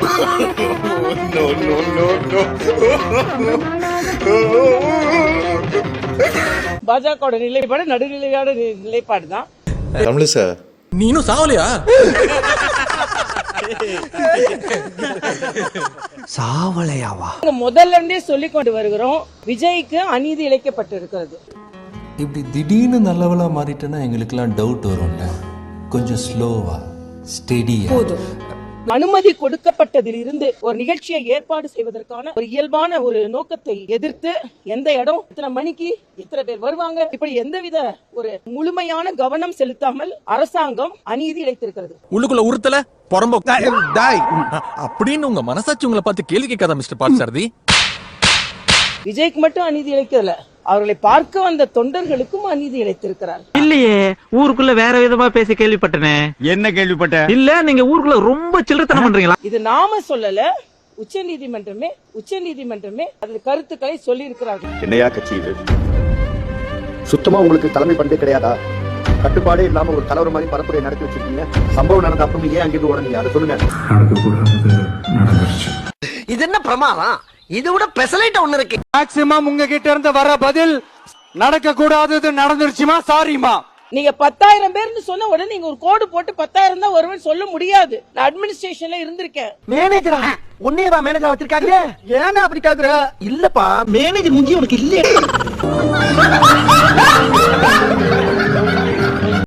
பாஜக நிலைப்பாடு நடுநிலையான நிலைப்பாடு தான். தமிழிசை நீ இன்னும் சாவலையா? சாவலையாவா? முதல்ல இருந்தே சொல்லிக் கொண்டு வருகிறோம், விஜய்க்கு அநீதி இழைக்கப்பட்டிருக்கிறது. இப்படி திடீர்னு நல்லவளா மாறிட்டேன்னா எங்களுக்கெல்லாம் டவுட் வரும்ல. கொஞ்சம் ஸ்லோவா ஸ்டெடியா. அனுமதி கொடுக்கப்பட்டதில் இருந்து ஒரு நிகழ்ச்சியை ஏற்பாடு செய்வதற்கான ஒரு இயல்பான ஒரு நோக்கத்தை எதிர்த்து எந்த இடம், இத்தனை மணிக்கு இத்தனை பேர் வருவாங்க, இப்படி எந்தவித ஒரு முழுமையான கவனம் செலுத்தாமல் அரசாங்கம் அநீதி இழைத்திருக்கிறது. உள்ளுக்குள்ள உறுத்தல பொறம்போ அப்படின்னு உங்க மனசாட்சி உங்களை பார்த்து கேள்வி கேட்காத மிஸ்டர் பார்த்தசாரதி. விஜய்க்கு மட்டும் அநீதி இழைக்கல, அவர்களை பார்க்க வந்த தொண்டர்களுக்கும் அநீதி இழைத்திருக்கிறார். இல்லையே, ஊருக்குள்ள வேற விதமா பேசி கேள்விப்பட்டனே. என்ன கேள்விப்பட்ட? இல்ல, நீங்க ஊருக்குள்ள ரொம்ப சில்லறத்தனம் பண்றீங்களா? இது நாம சொல்லல, உச்ச நீதிமன்றமே அது கருத்துக்களை சொல்லி இருக்கிறார்கள். என்னையா கட்சி இது? சுத்தமா உங்களுக்கு தலைமை பண்பே கிடையாதா? கட்டுப்பாடே இல்லாம ஒரு தலைவர் மாதிரி பரப்புரை நடத்தி வச்சிருக்கீங்க. சம்பவம் நடந்த அப்புறம் ஏன் அங்கிருந்து உடனே அதை சொல்லுங்க. இது என்ன பிரமாதம்? இது விட பெசலைட் ஒண்ணு இருக்கு. மேக்ஸிமம் உங்ககிட்ட இருந்து வர பதில் நடக்க கூடாதது நடந்துருச்சுமா, சாரிமா. நீங்க 10,000 பேர்னு சொன்ன உடனே நீங்க ஒரு கோடு போட்டு 10,000 தான் வருவன் சொல்ல முடியாது. நான் அட்மினிஸ்ட்ரேஷன்ல இருந்திருக்கேன். மேனேஜரா? உன்னையவா மேனேஜர் வச்சிருக்காங்க? ஏன்னா அப்படி கேக்குற? இல்லப்பா, மேனேஜர் முஞ்சி உனக்கு இல்லையே.